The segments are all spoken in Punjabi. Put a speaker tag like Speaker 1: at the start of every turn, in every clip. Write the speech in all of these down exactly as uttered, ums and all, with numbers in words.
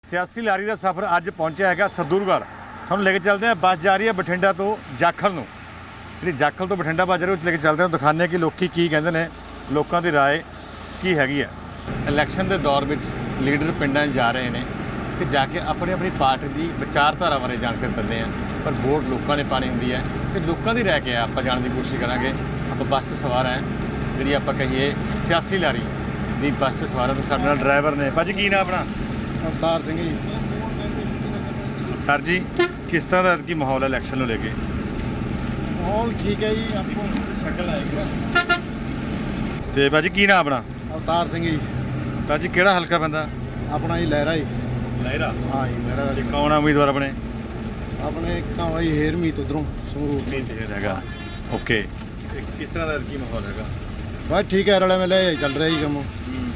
Speaker 1: सियासी लारी का सफ़र अज पहुंचा है सदूरगढ़। थोड़ा लेके चलते हैं, बस जा रही है बठिंडा तो जाखल नूं। जी जाखल तो बठिंडा बस जा रही है, लेके चलते हैं, दिखाने कि लोग की कहते हैं, लोगों की राय की हैगी है। इलैक्शन के दौर में लीडर पिंडां जा रहे हैं कि जाके अपनी अपनी पार्टी की विचारधारा बारे जानकारी दिंदे हैं, पर वोट लोगों ने पानी होंगी है कि लोगों की राय क्या है। आप जानने की कोशिश करांगे। आप बस से सवार हैं, जी आप कहिए सियासी लारी की बस से सवार है, तो साडे नाल ड्राइवर ने। भाजी की नाम अपना?
Speaker 2: अवतार सिंह जी।
Speaker 1: सर जी किस तरह का की माहौल है इलैक्शन को लेके?
Speaker 2: माहौल ठीक है जी। आपको शक्ल आएगी।
Speaker 1: तो भाजी की नाम अपना?
Speaker 2: अवतार सिंह जी।
Speaker 1: सर जी केड़ा हल्का पैंदा?
Speaker 2: अपना ही लहरा ही।
Speaker 1: लहरा?
Speaker 2: हाँ जी लहरा।
Speaker 1: ते कौन है उम्मीदवार अपने?
Speaker 2: अपने एक तो भाई हेरमीत उधरों संगरूर
Speaker 1: हैगा। ओके, किस तरह का की माहौल हैगा?
Speaker 2: बस ठीक है, रले मिले चल रहा ही कम।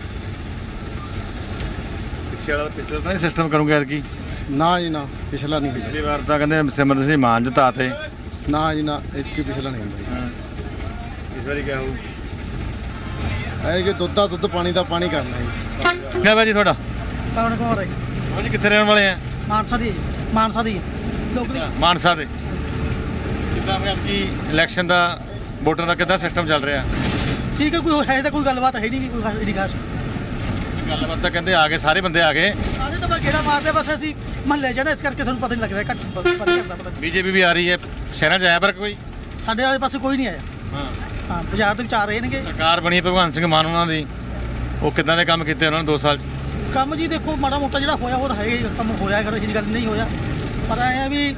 Speaker 1: पिछले वाला पिछले तो नहीं सिस्टम करूँगा की?
Speaker 2: ना जी ना, पिछला नहीं।
Speaker 1: पिछली बार तो कहते सिमरन सिंह मान जिताते।
Speaker 2: ना जी ना, एक ही पिछला नहीं होता।
Speaker 1: इस बार क्या हो
Speaker 2: है कि दुद्ध का दुद्ध, पानी का पानी करना जी।
Speaker 1: क्या भाजी थोड़ा?
Speaker 3: कौन कौन है?
Speaker 1: भाजी कितने रहने वाले हैं?
Speaker 3: मानसा दी मानसा दी लोकली
Speaker 1: मानसा दे। कितना फिर आपकी इलैक्शन का वोटर का कितना सिस्टम चल रहा है?
Speaker 3: ठीक है, कोई है तो कोई गलबात है नहीं, कोई एडी खास
Speaker 1: गलबात तो कहते आ गए, सारे बंदे आ गए।
Speaker 3: सारे तो गेड़ा मारते बस ਅਸੀਂ ਮਹੱਲੇ ਚ ਨਾ, ਇਸ ਕਰਕੇ ਸਾਨੂੰ ਪਤਾ ਨਹੀਂ ਲੱਗ ਰਿਹਾ। ਘੱਟ ਪਤਾ ਕਰਦਾ ਪਤਾ
Speaker 1: बीजेपी भी आ रही है, शहर च आया पर कोई?
Speaker 3: ਸਾਡੇ ਵਾਲੇ ਪਾਸੇ ਕੋਈ ਨਹੀਂ ਆਇਆ।
Speaker 1: हाँ
Speaker 3: ਹਾਂ ਬਾਜ਼ਾਰ ਦੇ ਵਿੱਚ ਆ ਰਹੇ ਨੇਗੇ।
Speaker 1: ਸਰਕਾਰ ਬਣੀ ਭਗਵੰਤ ਸਿੰਘ ਮਾਨ ਉਹਨਾਂ ਦੀ, ਉਹ ਕਿੱਦਾਂ ਦੇ ਕੰਮ ਕੀਤੇ ਉਹਨਾਂ ਨੇ ਦੋ ਸਾਲ 'ਚ?
Speaker 3: ਕੰਮ ਜੀ ਦੇਖੋ ਮਾੜਾ ਮੋਟਾ ਜਿਹੜਾ ਹੋਇਆ ਉਹ ਤਾਂ ਹੈ ਹੀ, ਕੰਮ ਹੋਇਆ ਕਰ ਇਹ ਗੱਲ ਨਹੀਂ ਹੋਇਆ, ਪਰ ਐ ਆ ਵੀ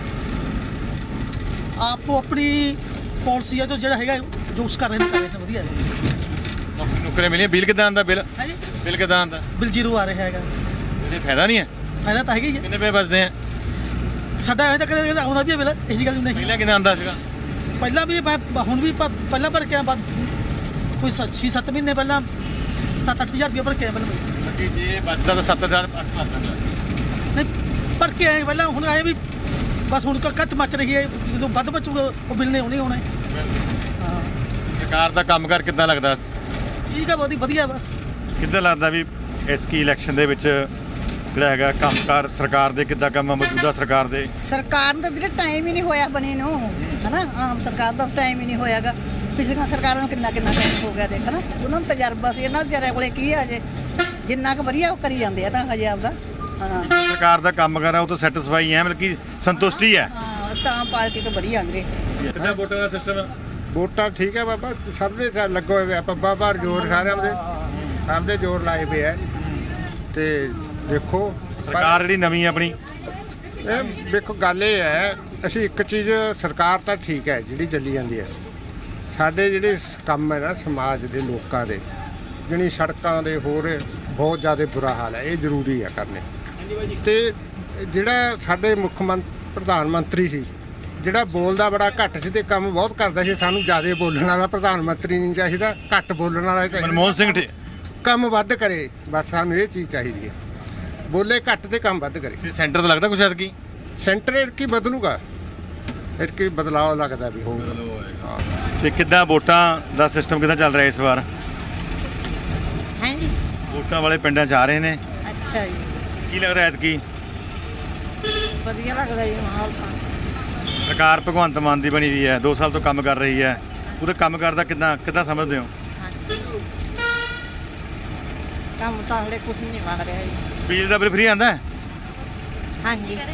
Speaker 3: ਆਪੋ ਆਪਣੀ ਪਾਲਿਸੀ ਆ ਜੋ ਜਿਹੜਾ ਹੈਗਾ ਜੋ ਉਸ ਕਰ ਰਹੇ ਨੇ ਕਰ ਰਹੇ ਨੇ ਵਧੀਆ ਹੈ।
Speaker 1: ਨੌਕਰੀ ਨੌਕਰੀ ਮਿਲੀ? ਬਿੱਲ ਕਿੱਦਾਂ ਆਉਂਦਾ? ਬਿੱਲ
Speaker 3: ਹੈ ਜੀ
Speaker 1: ਬਿੱਲ ਕਿੱਦਾਂ ਆਉਂਦਾ?
Speaker 3: ਬਿਲ ਜ਼ੀਰੋ ਆ ਰਿਹਾ ਹੈਗਾ।
Speaker 1: ਇਹਦੇ ਫਾਇਦਾ ਨਹੀਂ ਹੈ?
Speaker 3: ਫਾਇਦਾ ਤਾਂ ਹੈਗਾ ਹੀ ਹੈ।
Speaker 1: ਕਿੰਨੇ ਰੁਪਏ ਬਚਦੇ ਆ?
Speaker 3: ਸਾਡਾ ਇਹ ਤਾਂ ਕਦੇ ਕਦੇ ਆਉਂਦਾ ਵੀ ਹੈ ਬਿਲ, ਇਹ ਜੀ ਗੱਲ ਨਹੀਂ।
Speaker 1: ਪਹਿਲਾਂ ਕਿੰਨਾ ਆਉਂਦਾ ਸੀਗਾ?
Speaker 3: ਪਹਿਲਾਂ ਵੀ ਮੈਂ ਹੁਣ ਵੀ ਪ- ਪਹਿਲਾਂ ਭਰ ਕੇ ਆਇਆ, ਬਾਅਦ ਕੋਈ ਛੇ ਸੱਤ ਮਹੀਨੇ ਪਹਿਲਾਂ ਸੱਤ ਅੱਠ ਹਜ਼ਾਰ ਰੁਪਏ ਭਰ ਕੇ ਆਇਆ ਪਹਿਲਾਂ।
Speaker 1: ਕਿ ਜੇ ਬਚਦਾ ਤਾਂ ਸੱਤ ਹਜ਼ਾਰ ਅੱਠ ਬਚਦਾ।
Speaker 3: ਨਹੀਂ ਭਰ ਕੇ ਆਏ ਪਹਿਲਾਂ, ਹੁਣ ਆਏ ਵੀ ਬਸ ਹੁਣ ਕ- ਘੱਟ ਮੱਚ ਰਹੀ ਹੈ, ਜਦੋਂ ਵੱਧ ਬਚੂਗਾ ਉਹ ਬਿੱਲ ਨੇ ਉਹਨੇ ਆਉਣਾ ਹੈ। ਹਾਂ
Speaker 1: ਸਰਕਾਰ ਦਾ ਕੰਮ ਕਰ ਕਿੱਦਾਂ ਲੱਗਦਾ?
Speaker 3: ਠੀਕ ਹੈ, ਬਹੁਤ ਹੀ ਵਧੀਆ। ਬਸ
Speaker 1: ਕਿੱਦਾਂ ਲੱਗਦਾ ਵੀ ਇਸ ਕੀ ਇਲੈਕਸ਼ਨ ਦੇ ਵਿੱਚ ਜਿਹੜਾ ਹੈਗਾ ਕੰਮਕਾਰ ਸਰਕਾਰ ਦੇ ਕਿੱਦਾਂ ਕੰਮ ਆ, ਮੌਜੂਦਾ ਸਰਕਾਰ ਦੇ?
Speaker 4: ਸਰਕਾਰ ਦਾ ਵੀਰੇ ਟਾਈਮ ਹੀ ਨਹੀਂ ਹੋਇਆ ਬਣੇ ਨੂੰ, ਹਨਾ। ਆਮ ਸਰਕਾਰ ਦਾ ਟਾਈਮ ਹੀ ਨਹੀਂ ਹੋਇਆਗਾ। ਪਿਛਲੀਆਂ ਸਰਕਾਰਾਂ ਨੂੰ ਕਿੰਨਾ ਕਿੰਨਾ ਟਾਈਮ ਹੋ ਗਿਆ ਦੇਖ ਨਾ, ਉਹਨਾਂ ਨੂੰ ਤਜਰਬਾ ਸੀ। ਇਹਨਾਂ ਵਿਚਾਰਿਆਂ ਕੋਲੇ ਕੀ ਆ ਅਜੇ, ਜਿੰਨਾ ਕੁ ਵਧੀਆ ਉਹ ਕਰੀ ਜਾਂਦੇ ਆ ਤਾਂ ਹਜੇ ਆਪਦਾ। ਹਾਂ
Speaker 1: ਸਰਕਾਰ ਦਾ ਕੰਮ ਕਰ ਆ ਉਹ ਤਾਂ ਸੈਟੀਸਫਾਈ ਹੈ, ਮਤਲਬ ਕਿ ਸੰਤੁਸ਼ਟੀ ਹੈ।
Speaker 4: ਹਾਂ ਸਟਾਮ ਪਾਰਟੀ ਤੋਂ ਵਧੀਆ ਵੀਰੇ।
Speaker 1: ਕਿੰਨਾ ਵੋਟਾਂ ਦਾ ਸਿਸਟਮ ਹੈ?
Speaker 2: ਵੋਟਾਂ ਠੀਕ ਹੈ ਬਾਬਾ, ਸਭ ਦੇ ਸਾਰ ਲੱਗੇ ਹੋਏ ਆ। ਪੱਬਾ ਬਾਹਰ ਜ਼ੋਰ ਸਾਰਿਆਂ ਦੇ ਸਭ ਦੇ ਜ਼ੋਰ ਲਾਏ ਪਏ ਆ। ਤੇ ਦੇਖੋ
Speaker 1: ਸਰਕਾਰ ਜਿਹੜੀ ਨਵੀਂ ਆਪਣੀ,
Speaker 2: ਇਹ ਵੇਖੋ ਗੱਲ ਇਹ ਹੈ, ਅਸੀਂ ਇੱਕ ਚੀਜ਼ ਸਰਕਾਰ ਤਾਂ ਠੀਕ ਹੈ ਜਿਹੜੀ ਚੱਲੀ ਜਾਂਦੀ ਹੈ। ਸਾਡੇ ਜਿਹੜੇ ਕੰਮ ਹੈ ਨਾ ਸਮਾਜ ਦੇ ਲੋਕਾਂ ਦੇ, ਜਿਹੜੀ ਸੜਕਾਂ ਦੇ ਹੋਰ ਬਹੁਤ ਜ਼ਿਆਦਾ ਬੁਰਾ ਹਾਲ ਹੈ, ਇਹ ਜ਼ਰੂਰੀ ਹੈ ਕਰਨੇ। ਤੇ ਜਿਹੜਾ ਸਾਡੇ ਮੁੱਖ ਮੰਤਰੀ ਪ੍ਰਧਾਨ ਮੰਤਰੀ ਸੀ, ਜਿਹੜਾ ਬੋਲਦਾ ਬੜਾ ਘੱਟ ਸੀ ਤੇ ਕੰਮ ਬਹੁਤ ਕਰਦਾ ਸੀ। ਸਾਨੂੰ ਜ਼ਿਆਦਾ ਬੋਲਣ ਵਾਲਾ ਪ੍ਰਧਾਨ ਮੰਤਰੀ ਨਹੀਂ ਚਾਹੀਦਾ, ਘੱਟ ਬੋਲਣ ਵਾਲਾ ਚਾਹੀਦਾ।
Speaker 1: ਮਨਮੋਹਨ ਸਿੰਘ ਠੇ-
Speaker 2: ਕੰਮ ਵੱਧ ਕਰੇ, ਬਸ ਸਾਨੂੰ ਇਹ ਚੀਜ਼ ਚਾਹੀਦੀ ਹੈ। ਬੋਲੇ ਘੱਟ ਤੇ ਕੰਮ ਵੱਧ ਕਰੇ।
Speaker 1: ਤੇ ਸੈਂਟਰ ਤੋਂ ਲੱਗਦਾ ਕੁਛ ਐਤਕੀ?
Speaker 2: ਸੈਂਟਰ ਇਰਕੀ ਬਦਲੂਗਾ, ਇਰਕੀ ਬਦਲਾਅ ਲੱਗਦਾ ਵੀ ਹੋਊਗਾ। ਹਾਂ
Speaker 1: ਤੇ ਕਿੱਦਾਂ ਵੋਟਾਂ ਦਾ ਸਿਸਟਮ ਕਿੱਦਾਂ ਚੱਲ ਰਿਹਾ ਇਸ ਵਾਰ?
Speaker 4: ਹੈ ਜੀ
Speaker 1: ਵੋਟਾਂ ਵਾਲੇ ਪਿੰਡਾਂ 'ਚ ਆ ਰਹੇ ਨੇ,
Speaker 4: ਅੱਛਾ ਜੀ,
Speaker 1: ਕੀ ਲੱਗਦਾ ਐਤਕੀ
Speaker 4: ਵਧੀਆ ਲੱਗਦਾ ਜੀ ਮਾਹੌਲ ਤਾਂ।
Speaker 1: ਸਰਕਾਰ ਭਗਵੰਤ ਮਾਨ ਦੀ ਬਣੀ ਹੋਈ ਹੈ, ਦੋ ਸਾਲ ਤੋਂ ਕੰਮ ਕਰ ਰਹੀ ਹੈ, ਉਹਦੇ ਕੰਮ ਕਰਦਾ ਕਿੱਦਾਂ ਕਿੱਦਾਂ ਸਮਝਦੇ ਹੋ?
Speaker 4: ਕੰਮ ਤਾਂ ਹਲੇ ਕੁਝ ਨਹੀਂ ਬਣ ਰਿਹਾ ਜੀ।
Speaker 1: ਬਿਜਲੀ ਦਾ ਬਿੱਲ ਫ੍ਰੀ ਆਉਂਦਾ?
Speaker 4: ਹਾਂਜੀ ਹੈ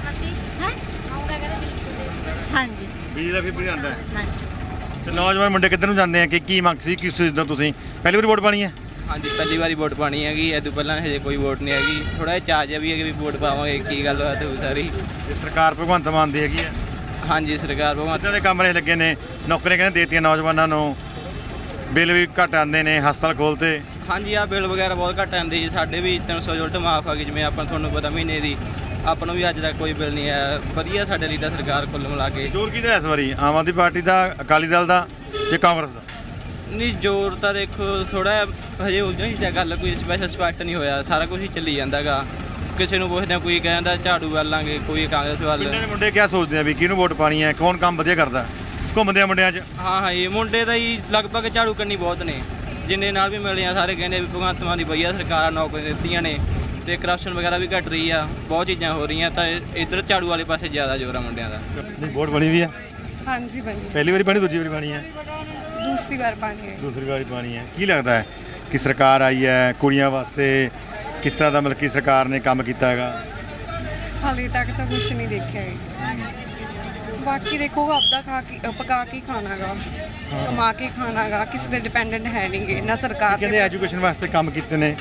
Speaker 4: ਹਾਂਜੀ
Speaker 1: ਬਿਜਲੀ ਦਾ ਵੀ ਫ੍ਰੀ ਆਉਂਦਾ?
Speaker 4: ਹਾਂਜੀ।
Speaker 1: ਤੇ ਨੌਜਵਾਨ ਮੁੰਡੇ ਕਿੱਧਰ ਨੂੰ ਜਾਂਦੇ ਆ ਕਿ ਕੀ ਮੰਗ ਸੀ, ਕਿਸ ਚੀਜ਼ ਦਾ ਤੁਸੀਂ ਪਹਿਲੀ ਵਾਰੀ ਵੋਟ ਪਾਣੀ ਹੈ?
Speaker 5: ਹਾਂਜੀ ਪਹਿਲੀ ਵਾਰੀ ਵੋਟ ਪਾਣੀ ਹੈਗੀ, ਇਹ ਤੋਂ ਪਹਿਲਾਂ ਹਜੇ ਕੋਈ ਵੋਟ ਨਹੀਂ ਹੈਗੀ। ਥੋੜਾ ਜਿਹਾ ਚਾਅ ਜਿਹਾ ਵੀ ਹੈ ਕਿ ਵੀ ਵੋਟ ਪਾਵਾਂਗੇ, ਕੀ ਗੱਲ ਬਾਤ ਹੋਊ ਸਾਰੀ।
Speaker 1: ਤੇ ਸਰਕਾਰ ਭਗਵੰਤ ਮਾਨ ਦੀ ਹੈਗੀ ਹੈ,
Speaker 5: ਹਾਂਜੀ ਸਰਕਾਰ ਭਗਵੰਤ
Speaker 1: ਇੱਦਾਂ ਦੇ ਕਮਰੇ ਲੱਗੇ ਨੇ, ਨੌਕਰੀਆਂ ਕਹਿੰਦੇ ਦੇਤੀਆਂ ਨੌਜਵਾਨਾਂ ਨੂੰ, ਬਿੱਲ ਵੀ ਘੱਟ ਆਉਂਦੇ ਨੇ, ਹਸਪਤਾਲ ਖੋਲ੍ਹਤੇ।
Speaker 5: ਹਾਂਜੀ ਆ ਬਿੱਲ ਵਗੈਰਾ ਬਹੁਤ ਘੱਟ ਆਉਂਦੇ ਜੀ। ਸਾਡੇ ਵੀ ਤਿੰਨ ਸੌ ਯੂਨਿਟ ਮਾਫ ਆ ਗਈ, ਜਿਵੇਂ ਆਪਾਂ ਤੁਹਾਨੂੰ ਪਤਾ ਮਹੀਨੇ ਦੀ। ਆਪਾਂ ਨੂੰ ਵੀ ਅੱਜ ਤੱਕ ਕੋਈ ਬਿੱਲ ਨਹੀਂ ਆਇਆ। ਵਧੀਆ ਸਾਡੇ ਲਈ ਤਾਂ ਸਰਕਾਰ ਕੁੱਲ ਮਿਲਾ ਕੇ।
Speaker 1: ਜ਼ੋਰ ਕਿਹਦਾ ਇਸ ਵਾਰੀ, ਆਮ ਆਦਮੀ ਪਾਰਟੀ ਦਾ, ਅਕਾਲੀ ਦਲ ਦਾ ਜਾਂ ਕਾਂਗਰਸ ਦਾ?
Speaker 5: ਨਹੀਂ ਜ਼ੋਰ ਤਾਂ ਦੇਖੋ ਥੋੜਾ ਹਜੇ ਉਲਝਣ ਦੀ ਗੱਲ, ਕੋਈ ਸਪੈਸ਼ਲ ਸਪੈਕਟ ਨਹੀਂ ਹੋਇਆ। ਸਾਰਾ ਕੁਝ ਹੀ ਚੱਲੀ ਜਾਂਦਾਗਾ। ਕਿਸੇ ਨੂੰ ਪੁੱਛਦੇ ਕੋਈ ਕਹਿੰਦਾ ਝਾੜੂ ਵੱਲ ਲਾਂਗੇ, ਕੋਈ ਕਾਂਗਰਸ ਵੱਲ।
Speaker 1: ਪਿੰਡਾਂ ਦੇ ਮੁੰਡੇ ਕਿਆ ਸੋਚਦੇ ਆ ਵੀ ਕਿਹਨੂੰ ਵੋਟ ਪਾਣੀ ਹੈ, ਕੌਣ ਕੰਮ ਵਧੀਆ ਕਰਦਾ? ਘੁੰਮਦੇ ਆ ਮੁੰਡਿਆਂ 'ਚ?
Speaker 5: ਹਾਂ ਹਾਂ ਇਹ ਮੁੰਡੇ ਤਾਂ ਹੀ ਲਗਭਗ ਝਾੜੂ ਕੰਨੀ ਬਹੁਤ ਨੇ, ਜਿੰਨੇ ਨਾਲ ਵੀ ਮਿਲੇ ਆ ਸਾਰੇ ਕਹਿੰਦੇ ਵੀ ਭਗਵੰਤ ਮਾਨ ਦੀ ਵਧੀਆ ਸਰਕਾਰਾਂ ਨੌਕਰੀਆਂ ਦਿੱਤੀਆਂ ਨੇ। ਤੇ ਕਰਪਸ਼ਨ ਵਗੈਰਾ ਵੀ ਘਟ ਰਹੀ ਆ, ਬਹੁਤ ਚੀਜ਼ਾਂ ਹੋ ਰਹੀਆਂ, ਤਾਂ ਇੱਧਰ ਝਾੜੂ ਵਾਲੇ ਪਾਸੇ ਜ਼ਿਆਦਾ ਜ਼ੋਰ ਆ ਮੁੰਡਿਆਂ ਦਾ।
Speaker 1: ਨਹੀਂ ਵੋਟ ਬਣੀ ਵੀ ਆ,
Speaker 6: ਹਾਂਜੀ ਬਣੀ,
Speaker 1: ਪਹਿਲੀ ਵਾਰੀ ਬਣੀ, ਦੂਜੀ ਵਾਰੀ ਬਣੀ ਹੈ,
Speaker 6: ਦੂਸਰੀ ਵਾਰ ਪਾਣੀ ਹੈ।
Speaker 1: ਦੂਸਰੀ ਵਾਰੀ ਪਾਣੀ ਹੈ। ਕੀ ਲੱਗਦਾ ਹੈ ਕਿ ਸਰਕਾਰ ਆਈ ਹੈ ਕੁੜੀਆਂ ਵਾਸਤੇ ਕਿਸ ਤਰ੍ਹਾਂ ਦਾ ਮਤਲਬ ਕਿ ਸਰਕਾਰ ਨੇ ਕੰਮ ਕੀਤਾ ਹੈਗਾ?
Speaker 6: ਹਾਲੇ ਤੱਕ ਤਾਂ ਕੁਝ ਨਹੀਂ ਦੇਖਿਆ ਹੈ। ਬਾਕੀ ਦੇਖੋ ਆਪਦਾ ਖਾ ਕੇ ਅ, ਪਕਾ ਕੇ ਖਾਣਾਗਾ, ਕਮਾ ਕੇ ਖਾਣਾਗਾ, ਕਿਸੇ ਦੇ ਡਿਪੈਂਡੈਂਟ ਹੈ ਨਹੀਂਗੇ ਨਾ ਸਰਕਾਰ
Speaker 1: ਕਹਿੰਦੇ
Speaker 6: ਤੇ।
Speaker 1: ਐਜੂਕੇਸ਼ਨ ਵਾਸਤੇ ਕੰਮ ਕੀਤੇ ਨੇ,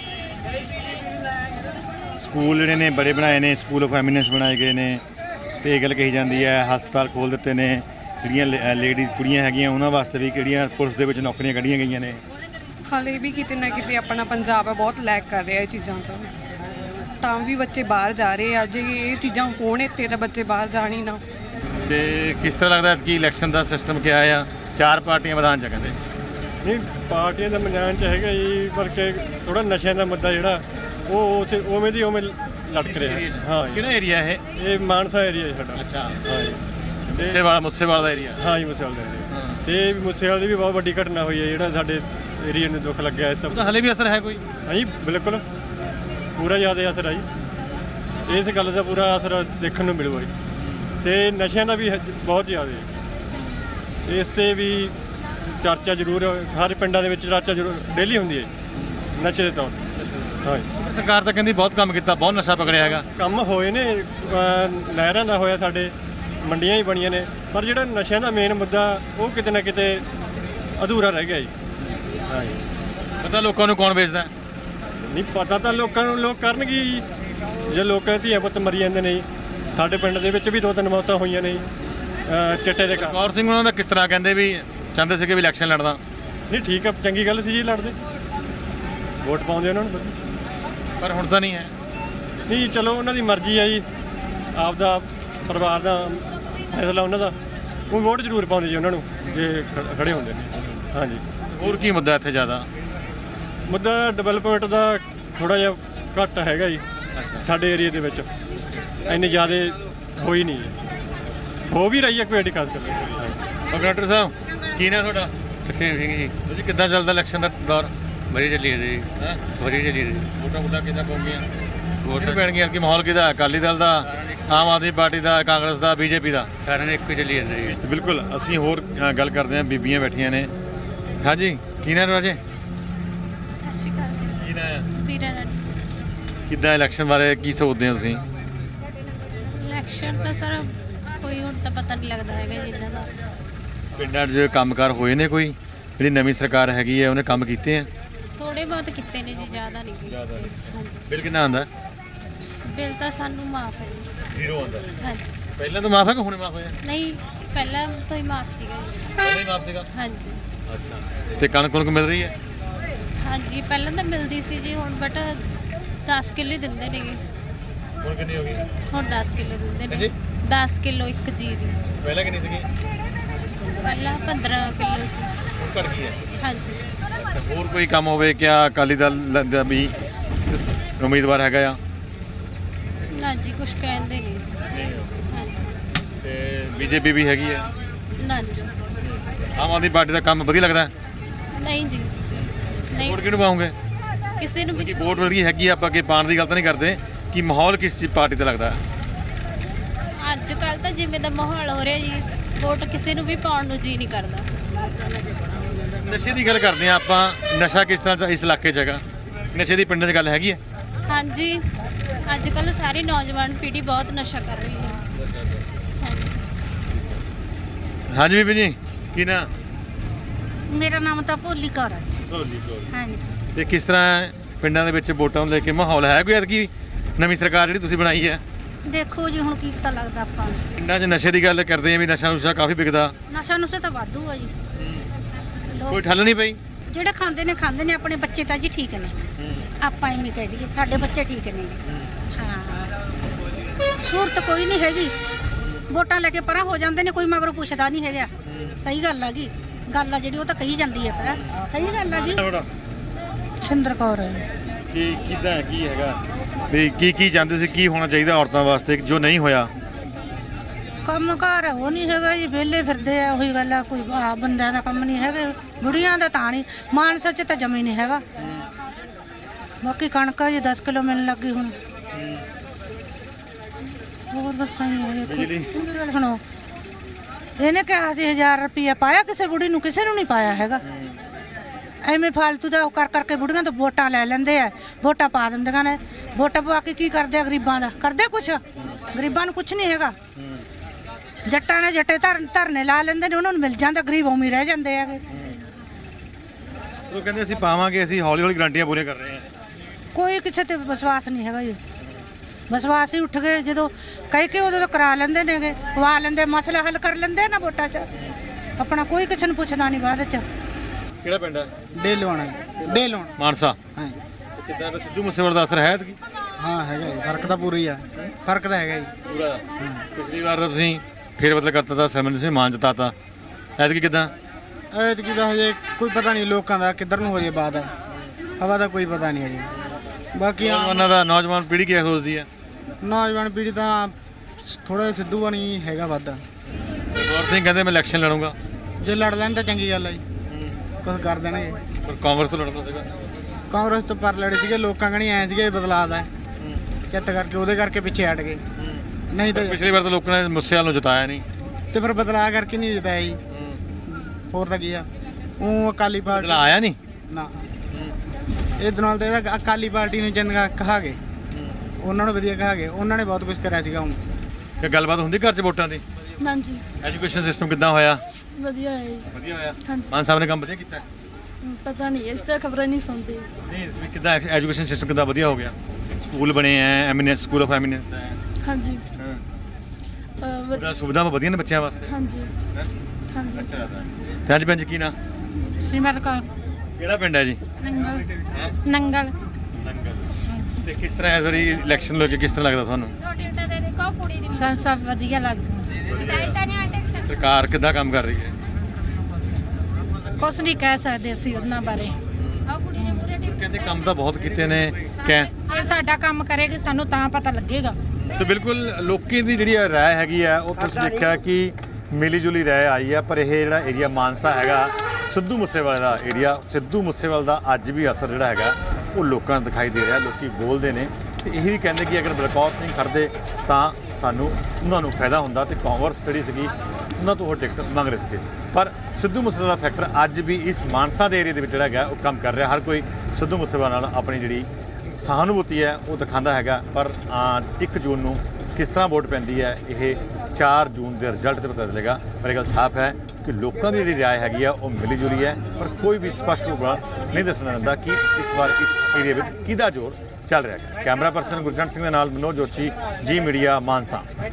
Speaker 1: ਸਕੂਲ ਜਿਹੜੇ ਨੇ ਬੜੇ ਬਣਾਏ ਨੇ, ਸਕੂਲ ਆਫ ਐਮੀਨੈਂਸ ਬਣਾਏ ਗਏ ਨੇ, ਤੇ ਇਹ ਗੱਲ ਕਹੀ ਜਾਂਦੀ ਹੈ ਹਸਪਤਾਲ ਖੋਲ੍ਹ ਦਿੱਤੇ ਨੇ, ਜਿਹੜੀਆਂ ਲੇਡੀਜ਼ ਕੁੜੀਆਂ ਹੈਗੀਆਂ ਉਹਨਾਂ ਵਾਸਤੇ ਵੀ ਕਿਹੜੀਆਂ ਪੁਲਿਸ ਦੇ ਵਿੱਚ ਨੌਕਰੀਆਂ ਕੱਢੀਆਂ ਗਈਆਂ ਨੇ।
Speaker 6: ਹਾਲੇ ਵੀ ਕਿਤੇ ਨਾ ਕਿਤੇ ਆਪਣਾ ਪੰਜਾਬ ਹੈ ਬਹੁਤ ਲੈਕ ਕਰ ਰਿਹਾ ਇਹ ਚੀਜ਼ਾਂ ਤੋਂ, ਤਾਂ ਵੀ ਬੱਚੇ ਬਾਹਰ ਜਾ ਰਹੇ ਆ। ਜੇ ਇਹ ਚੀਜ਼ਾਂ ਹੋਣ ਇੱਥੇ ਤਾਂ ਬੱਚੇ ਬਾਹਰ ਜਾਣ ਹੀ ਨਾ।
Speaker 1: ਤੇ ਕਿਸ ਤਰ੍ਹਾਂ ਲੱਗਦਾ ਕਿ ਇਲੈਕਸ਼ਨ ਦਾ ਸਿਸਟਮ ਕਿਹਾ ਆ? ਚਾਰ ਪਾਰਟੀਆਂ ਮੈਦਾਨ 'ਚ ਕਹਿੰਦੇ।
Speaker 2: ਨਹੀਂ ਪਾਰਟੀਆਂ ਦਾ ਮੈਦਾਨ 'ਚ ਹੈਗਾ ਜੀ, ਬਲਕਿ ਥੋੜਾ ਨਸ਼ਿਆਂ ਦਾ ਮੁੱਦਾ ਜਿਹੜਾ ਉਹ ਉੱਥੇ ਉਵੇਂ ਦੀ ਉਵੇਂ ਲਟਕ ਰਿਹਾ। ਹਾਂ ਜੀ।
Speaker 1: ਕਿਹੜਾ ਏਰੀਆ ਇਹ?
Speaker 2: ਇਹ ਮਾਨਸਾ ਏਰੀਆ ਜੀ ਸਾਡਾ।
Speaker 1: ਅੱਛਾ,
Speaker 2: ਹਾਂ ਜੀ। ਤੇ
Speaker 1: ਮੁੱਸੇਵਾਲ ਮੁੱਸੇਵਾਲ ਦਾ ਏਰੀਆ।
Speaker 2: ਹਾਂ ਜੀ ਮੁੱਸੇਵਾਲ ਦਾ ਏਰੀਆ। ਤੇ ਇਹ ਵੀ ਮੁੱਸੇਵਾਲ ਦੀ ਵੀ ਬਹੁਤ ਵੱਡੀ ਘਟਨਾ ਹੋਈ ਹੈ, ਜਿਹੜਾ ਸਾਡੇ ਏਰੀਆ ਨੂੰ ਦੁੱਖ ਲੱਗਿਆ ਇਸ ਤੋਂ।
Speaker 1: ਉਹਦਾ ਹਲੇ ਵੀ ਅਸਰ ਹੈ ਕੋਈ?
Speaker 2: ਹਾਂ ਜੀ ਬਿਲਕੁਲ ਪੂਰਾ ਜ਼ਿਆਦਾ ਅਸਰ ਆ ਜੀ, ਇਸ ਗੱਲ ਦਾ ਪੂਰਾ ਅਸਰ ਦੇਖਣ ਨੂੰ ਮਿਲੂਗਾ ਜੀ। ਤੇ ਨਸ਼ਿਆਂ ਦਾ ਵੀ ਹੈ- ਬਹੁਤ ਜ਼ਿਆਦਾ ਹੈ, ਇਸ ਤੇ ਵੀ ਚਰਚਾ ਜ਼ਰੂਰ ਹਰ ਪਿੰਡਾਂ ਦੇ ਵਿੱਚ ਚਰਚਾ ਜ਼ਰੂਰ ਡੇਲੀ ਹੁੰਦੀ ਹੈ ਨਸ਼ੇ ਦੇ ਤੌਰ ਤੇ। ਹਾਂ ਜੀ।
Speaker 1: ਸਰਕਾਰ ਤਾਂ ਕਹਿੰਦੀ ਬਹੁਤ ਕੰਮ ਕੀਤਾ, ਬਹੁਤ ਨਸ਼ਾ ਪਕੜਿਆ ਹੈਗਾ।
Speaker 2: ਕੰਮ ਹੋਏ ਨੇ, ਅਹ ਨਹਿਰਾਂ ਦਾ ਹੋਇਆ, ਸਾਡੇ ਮੰਡੀਆਂ ਹੀ ਬਣੀਆਂ ਨੇ, ਪਰ ਜਿਹੜਾ ਨਸ਼ਿਆਂ ਦਾ ਮੇਨ ਮੁੱਦਾ ਉਹ ਕਿਤੇ ਨਾ ਕਿਤੇ ਅਧੂਰਾ ਰਹਿ ਗਿਆ ਜੀ। ਹਾਂ ਜੀ।
Speaker 1: ਪਤਾ ਲੋਕਾਂ ਨੂੰ ਕੌਣ ਵੇਚਦਾ?
Speaker 2: ਨਹੀਂ ਪਤਾ ਤਾਂ ਲੋਕਾਂ ਨੂੰ ਲੋਕ ਕਰਨਗੇ ਜੀ, ਜੇ ਲੋਕਾਂ ਦੀਆਂ ਧੀਆਂ ਪੁੱਤ ਮਰੀ ਜਾਂਦੇ ਨੇ ਜੀ। ਸਾਡੇ ਪਿੰਡ ਦੇ ਵਿੱਚ ਵੀ ਦੋ ਤਿੰਨ ਮੌਤਾਂ ਹੋਈਆਂ ਨੇ ਜੀ, ਅਹ ਚਿੱਟੇ ਦੇ ਕਾਰਨ।
Speaker 1: ਕੌਰ ਸਿੰਘ ਉਹਨਾਂ ਦਾ ਕਿਸ ਤਰ੍ਹਾਂ ਕਹਿੰਦੇ ਵੀ ਚਾਹੁੰਦੇ ਸੀ ਕਿ ਵੀ ਇਲੈਕਸ਼ਨ ਲੜਦਾ?
Speaker 2: ਨਹੀਂ ਠੀਕ ਆ, ਚੰਗੀ ਗੱਲ ਸੀ ਜੀ, ਲੜਦੇ ਵੋਟ ਪਾਉਂਦੇ ਉਹਨਾਂ ਨੂੰ।
Speaker 1: ਪਰ ਹੁਣ ਤਾਂ ਨਹੀਂ ਹੈ।
Speaker 2: ਨਹੀਂ ਚਲੋ ਉਹਨਾਂ ਦੀ ਮਰਜ਼ੀ ਆ ਜੀ, ਆਪਦਾ ਪਰਿਵਾਰ ਦਾ ਫੈਸਲਾ ਉਹਨਾਂ ਦਾ। ਉਹ ਵੋਟ ਜ਼ਰੂਰ ਪਾਉਂਦੇ ਜੀ ਉਹਨਾਂ ਨੂੰ ਜੇ ਖ- ਖੜੇ ਹੁੰਦੇ ਨੇ। ਹਾਂਜੀ।
Speaker 1: ਹੋਰ ਕੀ ਮੁੱਦਾ ਇੱਥੇ ਜ਼ਿਆਦਾ?
Speaker 2: ਮੁੱਦਾ ਡਿਵੈਲਪਮੈਂਟ ਦਾ ਥੋੜਾ ਜਿਹਾ ਘੱਟ ਹੈਗਾ ਜੀ ਸਾਡੇ ਏਰੀਆ ਦੇ ਵਿੱਚ, ਇੰਨੀ ਜ਼ਿਆਦਾ ਹੋਈ ਨਹੀਂ ਹੈ। ਹੋ ਵੀ ਰਹੀ ਹੈ ਕੋਈ ਐਡੀ ਖਾਸ ਗੱਲ ਨਹੀਂ।
Speaker 1: ਡਾਕਟਰ ਸਾਹਿਬ ਕੀ ਨਾ ਤੁਹਾਡਾ?
Speaker 7: ਤਕਸੀਮ ਸਿੰਘ ਜੀ,
Speaker 1: ਤੁਸੀਂ ਕਿੱਦਾਂ ਚੱਲਦਾ ਇਲੈਕਸ਼ਨ ਦਾ ਦੌਰ?
Speaker 7: ਵਧੀਆ ਚੱਲੀ ਜਾਂਦੀ ਜੀ,
Speaker 1: ਹੈ
Speaker 7: ਵਧੀਆ ਚੱਲੀ ਜਾਂਦੀ।
Speaker 1: ਵੋਟਾਂ ਵੋਟਾਂ ਕਿੱਦਾਂ ਪਾਉਂਗੀਆਂ? ਵੋਟਾਂ ਪੈਣਗੀਆਂ ਕਿ ਮਾਹੌਲ ਕਿਹਦਾ? ਅਕਾਲੀ ਦਲ ਦਾ, ਆਮ ਆਦਮੀ ਪਾਰਟੀ ਦਾ, ਕਾਂਗਰਸ ਦਾ, ਬੀਜੇਪੀ ਦਾ?
Speaker 7: ਸਾਰਿਆਂ ਨੇ ਇੱਕ ਹੀ ਚੱਲੀ ਜਾਂਦਾ ਜੀ।
Speaker 1: ਤੇ ਬਿਲਕੁਲ ਅਸੀਂ ਹੋਰ ਅ, ਗੱਲ ਕਰਦੇ ਹਾਂ, ਬੀਬੀਆਂ ਬੈਠੀਆਂ ਨੇ। ਹਾਂਜੀ ਕੀ ਨਾ ਰਾਜੇ?
Speaker 8: ਸਤਿ ਸ਼੍ਰੀ ਅਕਾਲ ਜੀ।
Speaker 1: ਕੀ ਨਾ ਹੈ?
Speaker 8: ਵੀਰਾ ਰਾਣੀ।
Speaker 1: ਕਿੱਦਾਂ ਇਲੈਕਸ਼ਨ ਬਾਰੇ ਕੀ ਸੋਚਦੇ ਹੋ ਤੁਸੀਂ?
Speaker 8: ਇਲੈਕਸ਼ਨ ਤਾਂ ਸਰ ਕੋਈ ਹੁਣ ਤਾਂ ਪਤਾ ਨਹੀਂ ਲੱਗਦਾ ਹੈਗਾ ਜੀ ਇਹਨਾਂ ਦਾ।
Speaker 1: ਪਿੰਡਾਂ 'ਚ ਕੰਮਕਾਰ ਹੋਏ ਨੇ ਕੋਈ? ਜਿਹੜੀ ਨਵੀਂ ਸਰਕਾਰ ਹੈਗੀ ਹੈ ਉਹਨੇ ਕੰਮ ਕੀਤੇ ਆ?
Speaker 8: ਥੋੜੇ ਬਹੁਤ ਕੀਤੇ ਨੇ ਜੀ, ਜ਼ਿਆਦਾ ਨਹੀਂ ਕੀਤੇ। ਹਾਂਜੀ।
Speaker 1: ਬਿੱਲ ਕਿੰਨਾ ਆਉਂਦਾ?
Speaker 8: ਬਿੱਲ ਤਾਂ ਸਾਨੂੰ ਮਾਫ ਹੈ ਜੀ।
Speaker 1: ਜ਼ੀਰੋ ਆਉਂਦਾ।
Speaker 8: ਹਾਂਜੀ।
Speaker 1: ਪਹਿਲਾਂ ਤਾਂ ਮਾਫ ਹੈ ਕਿ ਹੁਣੇ ਮਾਫ ਹੋਇਆ?
Speaker 8: ਨਹੀਂ ਪਹਿਲਾਂ ਤੋਂ ਹੀ ਮਾਫ ਸੀਗਾ ਜੀ।
Speaker 1: ਪਹਿਲਾਂ ਹੀ ਮਾਫ ਸੀਗਾ।
Speaker 8: ਹਾਂਜੀ।
Speaker 1: ਅੱਛਾ। ਤੇ ਕਣਕ ਕੁਣਕ ਮਿਲ ਰਹੀ ਹੈ?
Speaker 8: ਹਾਂਜੀ ਪਹਿਲਾਂ ਤਾਂ ਮਿਲਦੀ ਸੀ ਜੀ, ਹੁਣ ਬਟ ਦਸ ਕਿਲੋ ਦਿੰਦੇ ਨੇਗੇ।
Speaker 1: ਹੁਣ ਕਿੰਨੀ ਹੋ ਗਈ?
Speaker 8: ਹੁਣ ਦਸ ਕਿਲੋ ਦਿੰਦੇ ਨੇ।
Speaker 1: ਹਾਂਜੀ।
Speaker 8: ਦਸ ਕਿਲੋ ਇੱਕ ਜੀ ਦੀ।
Speaker 1: ਪਹਿਲਾਂ ਕਿੰਨੀ ਸੀਗੀ?
Speaker 8: ਪਹਿਲਾਂ ਪੰਦਰਾਂ ਕਿਲੋ ਸੀ।
Speaker 1: ਹੁਣ ਘਟ ਗਈ ਹੈ।
Speaker 8: ਹਾਂਜੀ।
Speaker 1: ਅੱਛਾ, ਹੋਰ ਕੋਈ ਕੰਮ ਹੋਵੇ ਕਿਆ ਅਕਾਲੀ ਦਲ ਦਾ ਵੀ ਉਮੀਦਵਾਰ ਹੈਗਾ ਆ?
Speaker 8: ਨਾ ਜੀ ਕੁਛ ਕਹਿੰਦੇ ਨਹੀਂ। ਹਾਂਜੀ।
Speaker 1: ਤੇ ਬੀਜੇਪੀ ਵੀ ਹੈਗੀ ਹੈ।
Speaker 8: ਨਾ ਜੀ
Speaker 1: ਆਮ ਆਦਮੀ ਪਾਰਟੀ ਦਾ ਕੰਮ ਵਧੀਆ ਲੱਗਦਾ?
Speaker 8: ਨਹੀਂ ਜੀ ਨਹੀਂ,
Speaker 1: ਵੋਟ ਕਿਹਨੂੰ ਪਾਉਂਗੇ?
Speaker 8: ਕਿਸੇ ਨੂੰ ਵੀ
Speaker 1: ਕਿ ਵੋਟ ਜਿਹੜੀ ਹੈਗੀ ਆ, ਆਪਾਂ ਅੱਗੇ ਪਾਉਣ ਦੀ ਗੱਲ ਤਾਂ ਨਹੀਂ ਕਰਦੇ, ਕਿ ਮਾਹੌਲ ਕਿਸ ਚੀਜ਼ ਪਾਰਟੀ ਤੇ ਲੱਗਦਾ?
Speaker 8: ਅੱਜ ਕੱਲ ਤਾਂ ਜਿਵੇਂ ਦਾ ਮਾਹੌਲ ਹੋ ਰਿਹਾ ਜੀ, ਵੋਟ ਕਿਸੇ ਨੂੰ ਵੀ ਪਾਉਣ ਨੂੰ ਜੀ ਨਹੀਂ ਕਰਦਾ।
Speaker 1: ਨਸ਼ੇ ਦੀ ਗੱਲ ਕਰਦੇ ਆ ਆਪਾਂ, ਨਸ਼ਾ ਕਿਸ ਤਰ੍ਹਾਂ ਇਸ ਇਲਾਕੇ 'ਚ ਹੈਗਾ? ਨਸ਼ੇ ਦੀ ਪਿੰਡਾਂ 'ਚ ਗੱਲ ਹੈਗੀ ਹੈ?
Speaker 8: ਹਾਂਜੀ ਅੱਜ ਕੱਲ ਸਾਰੀ ਨੌਜਵਾਨ ਪੀੜ੍ਹੀ ਬਹੁਤ ਨਸ਼ਾ ਕਰ ਰਹੀ ਹੈ। ਹਾਂਜੀ।
Speaker 1: ਹਾਂਜੀ ਬੀਬੀ ਜੀ ਕੀ ਨਾ?
Speaker 9: ਮੇਰਾ ਨਾਮ ਤਾਂ ਭੋਲੀ ਕੌਰ ਹੈ। ਹਾਂਜੀ।
Speaker 1: ਤੇ ਕਿਸ ਤਰ੍ਹਾਂ ਪਿੰਡਾਂ ਦੇ ਵਿੱਚ ਵੋਟਾਂ ਨੂੰ ਲੈ ਕੇ ਮਾਹੌਲ ਹੈ ਕੋਈ ਐਤਕੀ ਨਵੀਂ ਸਰਕਾਰ ਜਿਹੜੀ ਤੁਸੀਂ ਬਣਾਈ ਹੈ?
Speaker 9: ਦੇਖੋ ਜੀ ਹੁਣ ਕੀ ਪਤਾ ਲੱਗਦਾ ਆਪਾਂ ਨੂੰ।
Speaker 1: ਪਿੰਡਾਂ 'ਚ ਨਸ਼ੇ ਦੀ ਗੱਲ ਕਰਦੇ ਆ ਵੀ ਨਸ਼ਾ ਨੁਸ਼ਾ ਕਾਫੀ ਵਿਕਦਾ,
Speaker 9: ਨਸ਼ਾ ਨੁਸ਼ਾ ਤਾਂ ਵਾਧੂ ਆ ਜੀ।
Speaker 1: ਕੋਈ ਠੱਲ ਨਹੀਂ ਪਈ?
Speaker 9: ਜਿਹੜੇ ਖਾਂਦੇ ਨੇ ਖਾਂਦੇ ਨੇ, ਆਪਣੇ ਬੱਚੇ ਤਾਂ ਜੀ ਠੀਕ ਨੇ। ਆਪਾਂ ਐਵੇਂ ਕਹਿ ਦਈਏ ਸਾਡੇ ਬੱਚੇ ਠੀਕ ਨੇ ਜੀ। ਹਾਂ ਸਹੂਲਤ ਕੋਈ ਨਹੀਂ ਹੈਗੀ, ਵੋਟਾਂ ਲੈ ਕੇ ਪਰਾਂ ਹੋ ਜਾਂਦੇ ਨੇ, ਕੋਈ ਮਗਰੋਂ ਪੁੱਛਦਾ ਨਹੀਂ ਹੈਗਾ। ਸਹੀ ਗੱਲ ਆ ਗੀ, ਗੱਲ ਆ ਜਿਹੜੀ ਉਹ ਤਾਂ ਕਹੀ ਜਾਂਦੀ ਹੈ, ਪਰ ਸਹੀ ਗੱਲ ਆ ਗੀ।
Speaker 4: ਸਿੰਦਰ ਕੌਰ ਹੈ।
Speaker 1: ਕੀ ਕਿਦਾਂ ਕੀ ਹੈਗਾ ਵੀ ਕੀ ਕੀ ਚਾਹੁੰਦੇ ਸੀ, ਕੀ ਹੋਣਾ ਚਾਹੀਦਾ ਔਰਤਾਂ ਵਾਸਤੇ ਜੋ ਨਹੀਂ ਹੋਇਆ?
Speaker 4: ਕੰਮ ਕਾਰ ਹੋ ਨਹੀਂ ਹੈਗਾ ਜੀ, ਵਿਹਲੇ ਫਿਰਦੇ ਆ, ਉਹੀ ਗੱਲ ਆ, ਕੋਈ ਆ ਬੰਦਿਆਂ ਦਾ ਕੰਮ ਨਹੀਂ ਹੈਗਾ, ਬੁੜੀਆਂ ਦਾ ਤਾਂ ਨਹੀਂ, ਮਾਨਸਾ 'ਚ ਤਾਂ ਜਮੀ ਨਹੀਂ ਹੈਗਾ।
Speaker 9: ਬਾਕੀ ਕਣਕ ਜੀ ਦਸ ਕਿਲੋ ਮਿਲਣ ਲੱਗੀ ਹੁਣ ਹੋਰ ਬੱਸਾਂ ਹੀ ਹੈ
Speaker 1: ਬਿਜਲੀ
Speaker 9: ਹੁਣ ਇਹਨੇ ਕਿਹਾ ਸੀ ਹਜ਼ਾਰ ਰੁਪਈਆ ਪਾਇਆ ਕਿਸੇ ਬੁੜੀ ਨੂੰ, ਕਿਸੇ ਨੂੰ ਨਹੀਂ ਪਾਇਆ ਹੈਗਾ। ਐਵੇਂ ਫਾਲਤੂ ਦਾ ਉਹ ਕਰ ਕਰਕੇ ਬੁੜੀਆਂ ਤੋਂ ਵੋਟਾਂ ਲੈ ਲੈਂਦੇ ਆ, ਵੋਟਾਂ ਪਾ ਦਿੰਦੀਆਂ ਨੇ। ਵੋਟਾਂ ਪਵਾ ਕੇ ਕੀ ਕਰਦੇ ਆ ਗਰੀਬਾਂ ਦਾ? ਕਰਦੇ ਕੁਛ? ਗਰੀਬਾਂ ਨੂੰ ਕੁਛ ਨਹੀਂ ਹੈਗਾ। ਜੱਟਾਂ ਨੇ ਜੱਟੇ ਧਰ ਧਰਨੇ ਲਾ ਲੈਂਦੇ ਨੇ, ਉਹਨਾਂ ਨੂੰ ਮਿਲ ਜਾਂਦਾ, ਗਰੀਬ ਉਵੇਂ ਰਹਿ ਜਾਂਦੇ ਹੈਗੇ।
Speaker 1: ਉਹ ਕਹਿੰਦੇ ਅਸੀਂ ਪਾਵਾਂਗੇ, ਅਸੀਂ ਹੌਲੀ ਹੌਲੀ ਗਰੰਟੀਆਂ ਪੂਰੀਆਂ ਕਰ ਰਹੇ ਹਾਂ।
Speaker 9: ਕੋਈ ਕਿਸੇ ਤੇ ਵਿਸ਼ਵਾਸ ਨਹੀਂ ਹੈਗਾ ਜੀ। ਵਿਸ਼ਵਾਸ ਹੀ ਉੱਠ ਗਏ ਜਦੋਂ ਕਹਿ ਕੇ ਉਦੋਂ ਤਾਂ ਕਰਾ ਲੈਂਦੇ ਨੇਗੇ, ਪਵਾ ਲੈਂਦੇ, ਮਸਲਾ ਹੱਲ ਕਰ ਲੈਂਦੇ ਨਾ ਵੋਟਾਂ 'ਚ। ਆਪਣਾ ਕੋਈ ਕਿਸੇ ਨੂੰ ਪੁੱਛਦਾ ਨਹੀਂ ਬਾਅਦ 'ਚ।
Speaker 1: ਕਿਹੜਾ ਪਿੰਡ ਹੈ?
Speaker 3: ਡੇਲੋਣਾ ਡੇਲੋਣਾ
Speaker 1: ਮਾਨਸਾ।
Speaker 3: ਹਾਂ
Speaker 1: ਕਿੱਦਾਂ ਦਾ ਸਿੱਧੂ ਮੂਸੇਵਾਲੇ ਦਾ ਅਸਰ ਹੈ ਐਤਕੀ?
Speaker 3: ਹਾਂ ਹੈਗਾ ਜੀ, ਫਰਕ ਤਾਂ ਪੂਰੀ ਆ, ਫਰਕ ਤਾਂ ਹੈਗਾ ਜੀ
Speaker 1: ਪੂਰਾ। ਪਿਛਲੀ ਵਾਰ ਤਾਂ ਤੁਸੀਂ ਫੇਰ ਬਦਲ ਕਰਤਾ ਤਾਂ ਸਿਮਰਨ ਸਿੰਘ ਮਾਨ ਜਿਤਾਤਾ, ਐਤਕੀ ਕਿੱਦਾਂ?
Speaker 3: ਐਤਕੀ ਤਾਂ ਹਜੇ ਕੋਈ ਪਤਾ ਨਹੀਂ ਲੋਕਾਂ ਦਾ ਕਿੱਧਰ ਨੂੰ ਹੋ ਜੇ ਬਾਤ ਆ, ਹਵਾ ਦਾ ਕੋਈ ਪਤਾ ਨਹੀਂ ਹਜੇ। ਬਾਕੀ
Speaker 1: ਨੌਜਵਾਨਾਂ ਦਾ ਨੌਜਵਾਨ ਪੀੜ੍ਹੀ ਕੀ ਸੋਚਦੀ ਹੈ?
Speaker 3: ਨੌਜਵਾਨ ਪੀੜ੍ਹੀ ਤਾਂ ਥੋੜਾ ਸਿੱਧੂ ਬਣੀ ਹੈਗਾ ਵੱਧ।
Speaker 1: ਗੌਰ ਸਿੰਘ ਕਹਿੰਦੇ ਮੈਂ ਇਲੈਕਸ਼ਨ ਲੜੂੰਗਾ।
Speaker 3: ਜੇ ਲੜ ਲੈਣ ਤਾਂ ਚੰਗੀ ਗੱਲ ਆ ਜੀ, ਕੁਝ ਕਰ ਦੇਣਗੇ।
Speaker 1: ਪਰ ਕਾਂਗਰਸ ਤੋਂ ਲੜਦਾ ਸੀਗਾ।
Speaker 3: ਕਾਂਗਰਸ ਤੋਂ ਪਰ ਲੜੇ ਸੀਗੇ, ਲੋਕਾਂ ਕਣੀ ਐ ਸੀਗੇ ਬਦਲਾਅ ਦਾ ਚਿੱਤ ਕਰਕੇ, ਉਹਦੇ ਕਰਕੇ ਪਿੱਛੇ ਹਟ ਗਏ। ਨਹੀਂ ਤਾਂ
Speaker 1: ਪਿਛਲੀ ਵਾਰ ਤਾਂ ਲੋਕਾਂ ਨੇ ਮੂਸੇਵਾਲੇ ਨੂੰ ਜਿਤਾਇਆ ਨਹੀਂ,
Speaker 3: ਤੇ ਫਿਰ ਬਦਲਾਅ ਕਰਕੇ ਨਹੀਂ ਜਿਤਾਇਆ ਜੀ। ਹੋਰ ਤਾਂ ਕੀ ਆ, ਉਹ ਅਕਾਲੀ ਪਾਰਟੀ
Speaker 1: ਬਦਲਾ ਆਇਆ ਨਹੀਂ
Speaker 3: ਨਾ। ਇਹਦੇ ਨਾਲ ਤਾਂ ਇਹਦਾ ਅਕਾਲੀ ਪਾਰਟੀ ਨੂੰ ਚੰਗਾ ਕਹਾ ਗਏ, ਉਹਨਾਂ ਨੂੰ ਵਧੀਆ ਕਹਾ ਗਏ, ਉਹਨਾਂ ਨੇ ਬਹੁਤ ਕੁਝ ਕਰਿਆ ਸੀਗਾ। ਹੁਣ
Speaker 1: ਕਿ ਗੱਲਬਾਤ ਹੁੰਦੀ ਘਰ 'ਚ ਵੋਟਾਂ ਦੀ?
Speaker 10: ਹਾਂਜੀ
Speaker 1: ਐਜੂਕੇਸ਼ਨ ਸਿਸਟਮ ਕਿੱਦਾਂ ਹੋਇਆ?
Speaker 10: ਵਧੀਆ ਹੈ ਜੀ।
Speaker 1: ਵਧੀਆ ਹੋਇਆ।
Speaker 10: ਹਾਂਜੀ।
Speaker 1: ਮਾਨ ਸਾਹਿਬ ਨੇ ਕੰਮ ਵਧੀਆ ਕੀਤਾ?
Speaker 10: ਪਤਾ ਨਹੀਂ, ਇਸ ਤਾਂ ਖਬਰਾਂ ਨਹੀਂ ਸੁਣਦੇ।
Speaker 1: ਨਹੀਂ ਇਸ ਵੀ ਕਿੱਦਾਂ ਐਜੂਕੇਸ਼ਨ ਸਿਸਟਮ ਕਿੱਦਾਂ ਵਧੀਆ ਹੋ ਗਿਆ? ਸਕੂਲ ਬਣੇ ਐ, ਐਮੀਨੈਂਸ ਸਕੂਲ ਆਫ ਐਮੀਨੈਂਸ ਹੈ।
Speaker 10: ਹਾਂਜੀ।
Speaker 1: ਹਾਂ
Speaker 10: ਅਹ, ਵ-
Speaker 1: ਪੂਰਾ ਸੁਵਿਧਾਵਾਂ ਵਧੀਆ ਨੇ ਬੱਚਿਆਂ ਵਾਸਤੇ।
Speaker 10: ਹਾਂਜੀ
Speaker 1: ਹੈਂ?
Speaker 10: ਹਾਂਜੀ।
Speaker 1: ਅੱਛਾ ਤੇ ਅੱਜ ਭੈਣ ਜੀ ਕੀ ਨਾ
Speaker 9: ਸਿਮਰ ਕੌਰ
Speaker 1: ਕਿਹੜਾ ਪਿੰਡ ਹੈ ਜੀ?
Speaker 9: ਨੰਗਲ
Speaker 1: ਹੈਂ?
Speaker 9: ਨੰਗਲ
Speaker 1: ਨੰਗਲ। ਤੇ ਕਿਸ ਤਰ੍ਹਾਂ ਇਸ ਵਾਰੀ ਇਲੈਕਸ਼ਨ ਲੋਕ ਕਿਸ ਤਰ੍ਹਾਂ ਲੱਗਦਾ ਤੁਹਾਨੂੰ?
Speaker 9: ਸਭ ਸਭ ਵਧੀਆ ਲੱਗਦਾ।
Speaker 1: ਸਰਕਾਰ ਕਿੱਦਾਂ ਕੰਮ ਕਰ ਰਹੀ ਹੈ?
Speaker 9: ਕੁਛ ਨਹੀਂ ਕਹਿ ਸਕਦੇ ਅਸੀਂ ਉਹਨਾਂ ਬਾਰੇ।
Speaker 1: ਕਹਿੰਦੇ ਕੰਮ ਤਾਂ ਬਹੁਤ ਕੀਤੇ ਨੇ। ਕਹਿ
Speaker 9: ਜੇ ਸਾਡਾ ਕੰਮ ਕਰੇਗੀ ਸਾਨੂੰ ਤਾਂ ਪਤਾ ਲੱਗੇਗਾ।
Speaker 1: ਤੇ ਬਿਲਕੁਲ ਲੋਕੀ ਦੀ ਜਿਹੜੀ ਰਾਏ ਹੈਗੀ ਆ, ਉਹ ਤੁਸੀਂ ਦੇਖਿਆ ਕਿ ਮਿਲੀ ਜੁਲੀ ਰਾਏ ਆਈ ਆ। ਪਰ ਇਹ ਜਿਹੜਾ ਏਰੀਆ ਮਾਨਸਾ ਹੈਗਾ, ਸਿੱਧੂ ਮੂਸੇਵਾਲੇ ਦਾ ਏਰੀਆ, ਸਿੱਧੂ ਮੂਸੇਵਾਲੇ ਦਾ ਅੱਜ ਵੀ ਅਸਰ ਜਿਹੜਾ ਹੈਗਾ ਉਹ ਲੋਕਾਂ ਨੂੰ ਦਿਖਾਈ ਦੇ ਰਿਹਾ। ਲੋਕੀ ਬੋਲਦੇ ਨੇ ਤੇ ਇਹ ਵੀ ਕਹਿੰਦੇ ਕਿ ਅਗਰ ਬਲਕੌਰ ਸਿੰਘ ਖੜਦੇ ਤਾਂ ਸਾਨੂੰ ਉਹਨਾਂ ਨੂੰ ਫਾਇਦਾ ਹੁੰਦਾ, ਤੇ ਕਾਂਗਰਸ ਜਿਹੜੀ ਸੀਗੀ ਉਹਨਾਂ ਤੋਂ ਉਹ ਟਿਕਟ ਮੰਗ ਰਹੇ ਸੀਗੇ। ਪਰ ਸਿੱਧੂ ਮੂਸੇਵਾਲੇ ਦਾ ਫੈਕਟਰ ਅੱਜ ਵੀ ਇਸ ਮਾਨਸਾ ਦੇ ਏਰੀਆ ਦੇ ਵਿੱਚ ਜਿਹੜਾ ਹੈਗਾ ਉਹ ਕੰਮ ਕਰ ਰਿਹਾ। ਹਰ ਕੋਈ ਸਿੱਧੂ ਮੂਸੇਵਾਲੇ ਨਾਲ ਆਪਣੀ ਜਿਹੜੀ ਸਹਾਨੁਭੂਤੀ ਹੈ ਉਹ ਦਿਖਾਉਂਦਾ ਹੈਗਾ। ਪਰ ਇੱਕ ਜੂਨ ਨੂੰ ਕਿਸ ਤਰ੍ਹਾਂ ਵੋਟ ਪੈਂਦੀ ਹੈ ਇਹ ਚਾਰ ਜੂਨ ਦੇ ਰਿਜ਼ਲਟ ਤੇ ਪਤਾ ਚੱਲੇਗਾ। ਪਰ ਇਹ ਗੱਲ ਸਾਫ਼ ਹੈ ਕਿ ਲੋਕਾਂ ਦੀ ਜਿਹੜੀ ਰਾਏ ਹੈਗੀ ਆ ਉਹ ਮਿਲੀ ਜੁਲੀ ਹੈ, ਪਰ ਕੋਈ ਵੀ ਸਪਸ਼ਟ ਰੂਪ ਨਾਲ ਨਹੀਂ ਦੱਸਣਾ ਦਿੰਦਾ ਕਿ ਇਸ ਵਾਰ ਇਸ ਏਰੀਆ ਵਿੱਚ ਕਿਹਦਾ ਜ਼ੋਰ ਚੱਲ ਰਿਹਾ ਹੈ। ਕੈਮਰਾ ਪਰਸਨ ਗੁਰਜੰਟ ਸਿੰਘ ਦੇ ਨਾਲ ਮਨੋਜ ਜੋਸ਼ੀ, ਜੀ ਮੀਡੀਆ, ਮਾਨਸਾ।